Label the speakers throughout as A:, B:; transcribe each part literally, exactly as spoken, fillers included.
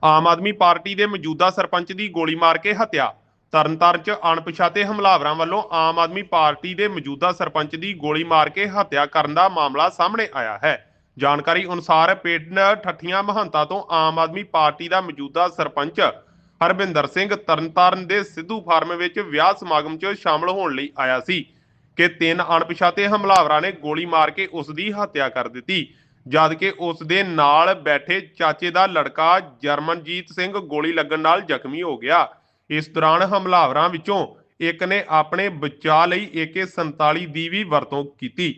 A: ਆਮ ਆਦਮੀ party ਦੇ ਮੌਜੂਦਾ ਸਰਪੰਚ ਦੀ ਗੋਲੀ ਮਾਰ ਕੇ ਹੱਤਿਆ। ਤਰਨਤਾਰਨ 'ਚ ਅਣਪਛਾਤੇ ਹਮਲਾਵਰਾਂ ਵੱਲੋਂ ਆਮ ਆਦਮੀ ਪਾਰਟੀ ਦੇ ਮੌਜੂਦਾ ਸਰਪੰਚ ਦੀ ਗੋਲੀ ਮਾਰ ਕੇ ਹੱਤਿਆ ਕਰਨ ਦਾ ਮਾਮਲਾ ਸਾਹਮਣੇ ਆਇਆ ਹੈ। ਜਾਣਕਾਰੀ ਅਨੁਸਾਰ ਪਿੰਡ ਠੱਠੀਆਂ ਮਹੰਤਾ ਤੋਂ ਆਮ ਆਦਮੀ ਪਾਰਟੀ ਦਾ ਮੌਜੂਦਾ ਸਰਪੰਚ ਹਰਵਿੰਦਰ ਸਿੰਘ ਤਰਨਤਾਰਨ ਦੇ ਸਿੱਧੂ ਫਾਰਮ ਵਿੱਚ ਵਿਆਹ ਸਮਾਗਮ 'ਚ ਸ਼ਾਮਲ ਹੋਣ ਲਈ ਆਇਆ ਸੀ ਕਿ ਤਿੰਨ ਅਣਪਛਾਤੇ ਹਮਲਾਵਰਾਂ ਨੇ ਗੋਲੀ ਮਾਰ ਕੇ ਉਸ ਦੀ ਹੱਤਿਆ ਕਰ ਦਿੱਤੀ, ਜਦ ਕਿ ਉਸ ਦੇ ਨਾਲ ਬੈਠੇ ਚਾਚੇ ਦਾ ਲੜਕਾ ਜਰਮਨਜੀਤ ਸਿੰਘ ਗੋਲੀ ਲੱਗਣ ਨਾਲ ਜ਼ਖਮੀ ਹੋ ਗਿਆ। ਇਸ ਦੌਰਾਨ ਹਮਲਾਵਰਾਂ ਵਿੱਚੋਂ ਇੱਕ ਨੇ ਆਪਣੇ ਬਚਾਅ ਲਈ ਏ ਕੇ ਸੰਤਾਲੀ ਦੀ ਵੀ ਵਰਤੋਂ ਕੀਤੀ।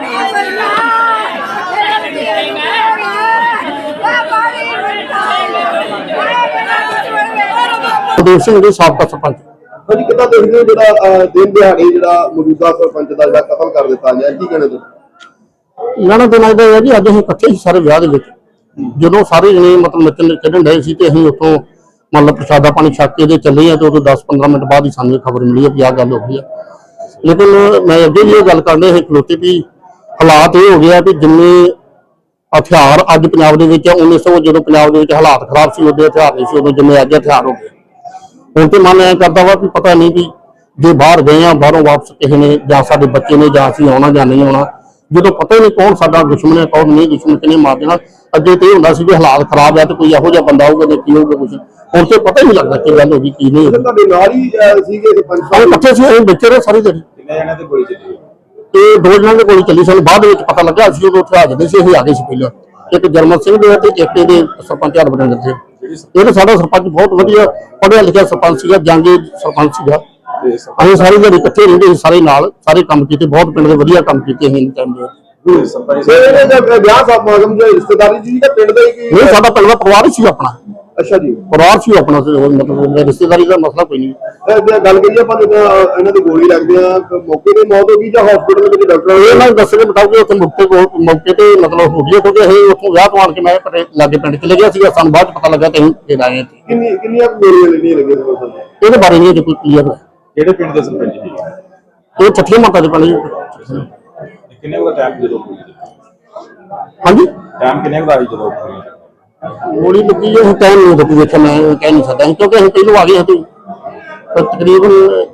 B: ਦੇਵ ਸਿੰਘ ਜੀ ਸਾਬਕਾ ਸਰਪੰਚ।
C: ਹਾਂਜੀ, ਕਿੱਦਾਂ ਦੇਖਦੇ ਹੋ ਜਿਹੜਾ ਦਿਨ ਦਿਹਾੜੇ ਜਿਹੜਾ ਮੌਜੂਦਾ ਸਰਪੰਚ ਦਾ ਜਿਹੜਾ ਕਤਲ ਕਰ ਦਿੱਤਾ ਗਿਆ, ਕੀ ਕਹਿਣਾ ਤੁਸੀਂ?
B: ਲੈਣਾ ਦੇਣਾ ਇਹਦਾ ਹੈ ਜੀ, ਅੱਜ ਅਸੀਂ ਇਕੱਠੇ ਸੀ ਸਾਰੇ ਵਿਆਹ ਦੇ ਵਿੱਚ। ਜਦੋਂ ਸਾਰੇ ਜਣੇ ਮਤਲਬ ਨੱਚਣ ਖੇਡਣ ਡਏ ਸੀ ਤੇ ਅਸੀਂ ਉੱਥੋਂ ਮਤਲਬ ਪ੍ਰਸ਼ਾਦਾ ਪਾਣੀ ਛੱਕ ਕੇ ਤੇ ਚੱਲੇ ਆ ਤੇ ਉਦੋਂ ਦਸ ਪੰਦਰਾਂ ਮਿੰਟ ਬਾਅਦ ਹੀ ਸਾਨੂੰ ਖਬਰ ਮਿਲੀ ਹੈ ਕਿ ਆਹ ਗੱਲ ਹੋ ਗਈ ਆ। ਲੇਕਿਨ ਮੈਂ ਅੱਗੇ ਵੀ ਇਹ ਗੱਲ ਕਰਨੇ ਸੀ ਖਲੋਤੇ ਵੀ ਹਾਲਾਤ ਇਹ ਹੋ ਗਿਆ ਕਿ ਜਿੰਨੇ ਹਥਿਆਰ ਅੱਜ ਪੰਜਾਬ ਦੇ ਵਿੱਚ ਉੱਨੀ ਸੌ ਜਦੋਂ ਪੰਜਾਬ ਦੇ ਵਿੱਚ ਹਾਲਾਤ ਖਰਾਬ ਸੀ ਉਦੋਂ ਹਥਿਆਰ ਨਹੀਂ ਸੀ, ਉਦੋਂ ਜਿੰਨੇ ਅੱਜ ਹਥਿਆਰ ਹੋ ਗਏ। ਹੁਣ ਤੇ ਮਨ ਐ ਕਰਦਾ ਵਾ ਵੀ ਪਤਾ ਨਹੀਂ ਵੀ ਜੇ ਬਾਹਰ ਗਏ ਆ ਬਾਹਰੋਂ ਵਾਪਸ ਕਿਸੇ ਨੇ ਜਾਂ ਸਾਡੇ ਬੱਚੇ ਨੇ ਜਾਂ ਅਸੀਂ ਆਉਣਾ ਜਾਂ ਨਹੀਂ ਆਉਣਾ, ਜਦੋਂ ਪਤਾ ਹੀ ਨਹੀਂ ਕੌਣ ਸਾਡਾ ਦੁਸ਼ਮਣ ਹੈ ਕੌਣ ਨਹੀਂ ਦੁਸ਼ਮਣ, ਕਿਹਨੇ ਮਾਰ ਦੇਣਾ। ਅੱਗੇ ਤੇ ਇਹ ਹੁੰਦਾ ਸੀ ਵੀ ਹਾਲਾਤ ਖਰਾਬ ਹੈ ਤੇ ਕੋਈ ਇਹੋ ਜਿਹਾ ਬੰਦਾ ਆਊਗਾ ਤੇ ਕੀ ਹੋਊਗਾ ਕੁਛ, ਹੁਣ ਤੇ ਪਤਾ ਹੀ ਨਹੀਂ ਲੱਗਦਾ ਕੀ ਗੱਲ ਹੋ ਗਈ ਕੀ ਨਹੀਂ।
C: ਤੁਹਾਡੇ ਨਾਲ ਹੀ ਸੀਗੇ ਸਰਪੰਚ
B: ਸਾਹਿਬ ਇਕੱਠੇ ਸੀ, ਅਸੀਂ ਬੱਚੇ ਰਹੇ ਸਾਰੀ ਦਿਨ।
C: ਕਿੰਨੇ ਜਣਿਆਂ ਤੇ ਗੋਲੀ ਚੱਲੀ?
B: ਤੇ ਦੋ ਜਣਾਂ ਦੇ ਗੋਲੀ ਚੱਲੀ, ਸਾਨੂੰ ਬਾਅਦ ਵਿੱਚ ਪਤਾ ਲੱਗਾ। ਅਸੀਂ ਉਦੋਂ ਉੱਥੇ ਹਾਜ਼ਰ ਨਹੀਂ ਸੀ, ਅਸੀਂ ਆ ਗਏ ਸੀ ਪਹਿਲਾਂ। ਇੱਕ ਜਰਮਨ ਸਿੰਘ ਦੇ ਤੇ ਇੱਕ ਇਹਦੇ ਸਰਪੰਚ ਹਰਵਿੰਦਰ ਸਿੰਘ। ਇਹ ਤਾਂ ਸਾਡਾ ਸਰਪੰਚ ਬਹੁਤ ਵਧੀਆ ਪੜ੍ਹਿਆ ਲਿਖਿਆ ਸਰਪੰਚ ਸੀਗਾ, ਜਾਂਗੇ ਸਰਪੰਚ ਸੀਗਾ। ਅਸੀਂ ਸਾਰੇ ਜਿਹੜੇ ਇਕੱਠੇ ਰਹਿੰਦੇ ਸੀ, ਸਾਰੇ ਨਾਲ ਸਾਰੇ ਕੰਮ ਕੀਤੇ, ਬਹੁਤ ਪਿੰਡ ਦੇ ਵਧੀਆ ਕੰਮ ਕੀਤੇ ਅਸੀਂ ਟਾਈਮ ਦੇ।
C: ਵਿਆਹ ਸਮਾਗਮ ਦੇ ਰਿਸ਼ਤੇਦਾਰੀ ਜੀ ਦਾ ਪਿੰਡ ਦਾ ਹੀ
B: ਨਹੀਂ, ਸਾਡਾ ਪਿੰਡ ਦਾ ਪਰਿਵਾਰ ਹੀ ਸੀ ਆਪਣਾ।
C: ਅੱਛਾ ਜੀ,
B: ਪਰਿਵਾਰ ਸੀ ਆਪਣਾ, ਮਤਲਬ ਰਿਸ਼ਤੇਦਾਰੀ ਦਾ ਮਸਲਾ ਕੋਈ ਨਹੀਂ।
C: ਗੱਲ ਕਰੀਏ ਆਪਾਂ ਇਹਨਾਂ ਦੀ ਗੋਲੀ ਲੱਗਦੀ ਆ, ਮੌਕੇ ਤੇ ਮੌਤ ਹੋ ਗਈ ਜਾਂ ਹਸਪੀਟਲ ਵਿੱਚ ਡਾਕਟਰ
B: ਇਹਨਾਂ ਦੱਸਣੇ ਬਤਾਓਗੇ ਉੱਥੇ ਮੌਕੇ ਕੋਲ ਮੌਕੇ ਤੇ ਮਤਲਬ ਹੋ ਗਈ, ਕਿਉਂਕਿ ਅਸੀਂ ਉੱਥੋਂ ਵਿਆਹ ਤੋਂ ਆਣ ਕੇ ਮੈਂ ਲਾਗੇ ਪਿੰਡ ਚਲੇ ਗਿਆ ਸੀਗਾ, ਸਾਨੂੰ ਬਾਅਦ ਚ ਪਤਾ ਲੱਗਾ ਤੇ ਅਸੀਂ ਫੇਰ ਆਏ ਇੱਥੇ।
C: ਕਿੰਨੀ ਕਿੰਨੀਆਂ ਗੋਲੀਆਂ ਲੱਗੀਆਂ ਲੱਗੀਆਂ
B: ਇਹਦੇ ਬਾਰੇ ਨਹੀਂ ਕੋਈ ਕਲੀਅਰ ਹੈ।
C: ਕਿਹੜੇ ਪਿੰਡ ਦੇ ਸਰਪੰਚ ਜੀ?
B: ਇਹ ਠੱਠੀਆਂ ਮਾਤਾ ਦੇ ਪਿੰਡ ਜੀ।
C: ਕਿੰਨੇ ਵਜੇ ਟਾਈਮ ਜਦੋਂ
B: ਹਾਂਜੀ,
C: ਟਾਈਮ ਕਿੰਨੇ ਵਜੇ ਜਦੋਂ
B: ਗੋਲੀ ਲੱਗੀ ਹੈ ਟਾਈਮ ਨਹੀਂ ਦਿੱਤੀ, ਵੇਖਿਆ ਮੈਂ ਕਹਿ ਨਹੀਂ ਸਕਦਾ ਕਿਉਂਕਿ ਅਸੀਂ ਪਹਿਲੋਂ ਆ ਗਏ ਸੀ। ਤਕਰੀਬਨ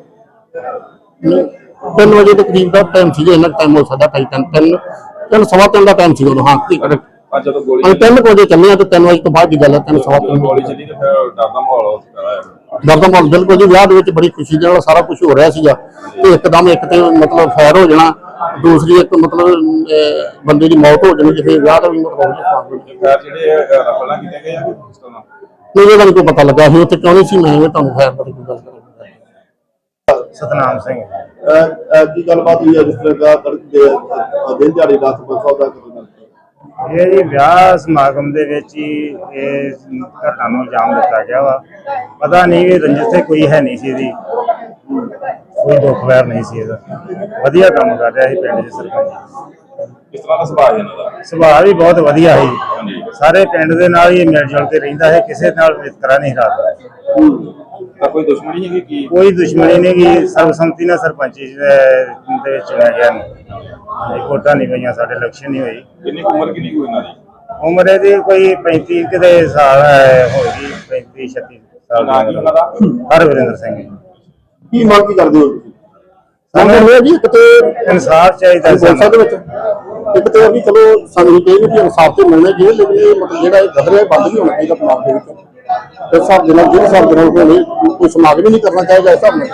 B: ਤਿੰਨ ਵਜੇ ਦੇ ਕਰੀਬ ਦਾ ਟਾਈਮ ਸੀਗਾ, ਇੰਨਾ ਟਾਈਮ ਹੋ ਸਕਦਾ ਢਾਈ ਤਿੰਨ ਤਿੰਨ ਤਿੰਨ ਸਵਾ ਤਿੰਨ ਦਾ ਟਾਈਮ ਸੀਗਾ ਉਦੋਂ। ਹਾਂ,
C: ਜਦੋਂ ਗੋਲੀ
B: ਅਸੀਂ ਤਿੰਨ ਵਜੇ ਚੱਲੇ ਆ ਤੇ ਤਿੰਨ ਵਜੇ ਤੋਂ ਬਾਅਦ ਦੀ ਗੱਲ ਹੈ, ਤਿੰਨ ਸਵਾ ਤਿੰਨ
C: ਗੋਲੀ ਚੱਲੀ ਤੇ ਫਿਰ ਡਰ ਦਾ ਮਾਹੌਲ ਹੋ ਸਕਦਾ।
B: ਡਰ ਦਾ ਮਾਹੌਲ ਬਿਲਕੁਲ ਜੀ, ਵਿਆਹ ਦੇ ਵਿੱਚ ਬੜੀ ਖੁਸ਼ੀ ਦੇ ਨਾਲ ਸਾਰਾ ਕੁਝ ਹੋ ਰਿਹਾ ਸੀਗਾ ਤੇ ਇੱਕਦਮ ਇੱਕ ਤੇ ਮਤਲਬ ਫਾਇਰ ਹੋ ਜਾਣਾ, ਦੂਸਰੀ ਇੱਕ ਮਤਲਬ ਬੰਦੇ ਦੀ ਮੌਤ ਹੋ ਜਾਣੀ ਜਿਵੇਂ ਵਿਆਹ ਦਾ ਵੀ ਮਤਲਬ
C: ਜਿਹੜੇ ਰਫਲਾਂ ਕੀਤੇ ਗਏ ਆ
B: ਨਹੀਂ, ਇਹਦਾ ਨਹੀਂ ਕੋਈ ਪਤਾ ਲੱਗਾ। ਅਸੀਂ ਉੱਥੇ ਕਿਉਂ ਨਹੀਂ ਸੀ, ਮੈਂ ਤੁਹਾਨੂੰ ਫਾਇਰ ਬਾਰੇ ਕੋਈ ਗੱਲ ਕਰਾਂਗਾ।
D: ਸਤਨਾਮ ਸਿੰਘ
C: ਕੀ ਗੱਲਬਾਤ ਹੋਈ ਹੈ ਜਿਸ ਤਰ੍ਹਾਂ ਦਾ ਦਿਨ ਦਿਹਾੜੇ ਦਾ ਸਰਪੰਚ ਦਾ?
D: ਇਹ ਜੀ ਵਿਆਹ ਸਮਾਗਮ ਦੇ ਵਿੱਚ ਹੀ ਇਹ ਘਟਨਾ ਨੂੰ ਅੰਜਾਮ ਦਿੱਤਾ ਗਿਆ ਵਾ। ਪਤਾ ਨਹੀਂ ਵੀ ਰੰਜਿਸ਼ ਤੇ ਕੋਈ ਹੈ ਨਹੀਂ ਸੀ ਇਹਦੀ, ਕੋਈ ਦੁੱਖ ਵੈਰ ਨਹੀਂ ਸੀ ਇਹਦਾ। ਵਧੀਆ ਕੰਮ ਕਰ ਰਿਹਾ ਸੀ ਪਿੰਡ ਦੇ ਸਰਪੰਚ।
C: ਕਿਸ ਤਰ੍ਹਾਂ ਦਾ ਸੁਭਾਅ ਹੈ ਇਹਨਾਂ ਦਾ?
D: ਸੁਭਾਅ ਵੀ ਬਹੁਤ ਵਧੀਆ ਸੀ, ਸਾਰੇ ਪਿੰਡ ਦੇ ਨਾਲ ਹੀ ਮਿਲ ਜੁਲ ਕੇ ਰਹਿੰਦਾ ਹੈ, ਕਿਸੇ ਨਾਲ ਵਿਤਕਰਾ ਨਹੀਂ ਰੱਖਦਾ।
C: ਕੋਈ ਦੁਸ਼ਮਣੀ ਹੈਗੀ ਕੀ?
D: ਕੋਈ ਦੁਸ਼ਮਣੀ ਨਹੀਂ ਗੀ, ਸਰਬਸੰਮਤੀ ਨਾਲ ਸਰਪੰਚੀ ਦੇ ਵਿੱਚ ਚੁਣਿਆ ਗਿਆ। ਵੋਟਾਂ ਨਹੀਂ ਪਈਆਂ, ਸਾਡੇ ਇਲੈਕਸ਼ਨ ਨਹੀਂ ਹੋਈ।
C: ਕਿੰਨੀ ਉਮਰ ਕਿੰਨੀ ਕੋਈ ਇਹਨਾਂ ਦੀ?
D: ਉਮਰ ਇਹਦੀ ਕੋਈ ਪੈਂਤੀ ਕਿਤੇ ਸਾਲ ਹੋਏਗੀ, ਪੈਂਤੀ ਛੱਤੀ ਸਾਲ ਦੀ ਉਮਰ ਦਾ। ਹਰਵਿੰਦਰ ਸਿੰਘ।
C: ਕੀ ਮੰਗ ਕੀ ਕਰਦੇ ਹੋ ਤੁਸੀਂ?
B: ਸਾਨੂੰ ਜੀ ਇੱਕ ਤੇ
D: ਇਨਸਾਫ ਚਾਹੀਦਾ
B: ਸੰਸਦ ਦੇ ਵਿੱਚ, ਇੱਕ ਤੇ ਵੀ ਚਲੋ ਸਾਨੂੰ ਕਹੇਗੀ ਕਿ ਇਨਸਾਫ ਤੇ ਮਿਲਣਾ ਚਾਹੀਦਾ, ਲੇਕਿਨ ਇਹ ਮਤਲਬ ਜਿਹੜਾ ਇਹ ਗਦਰਿਆ ਬੰਦ ਨਹੀਂ ਹੋਣਾ ਚਾਹੀਦਾ ਪੰਜਾਬ ਦੇ ਵਿੱਚ। ਇਸ ਹਿਸਾਬ ਦੇ ਨਾਲ ਜਿਹੜੇ ਹਿਸਾਬ ਦੇ ਨਾਲ ਕੋਈ ਸਮਾਗਮ ਨਹੀਂ ਕਰਨਾ ਚਾਹੀਦਾ ਇਸ ਹਿਸਾਬ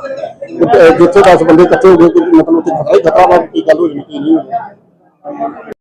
B: ਨਾਲ। ਜਿੱਥੇ ਦਸ ਬੰਦੇ ਇਕੱਠੇ ਹੋ ਗਏ ਮਤਲਬ ਉੱਥੇ ਖਤਰਾ ਹੀ ਖਤਰਾ ਵਾ, ਕੀ ਗੱਲ ਹੋ ਜਾਣੀ ਕੀ ਨਹੀਂ ਹੋਣੀ।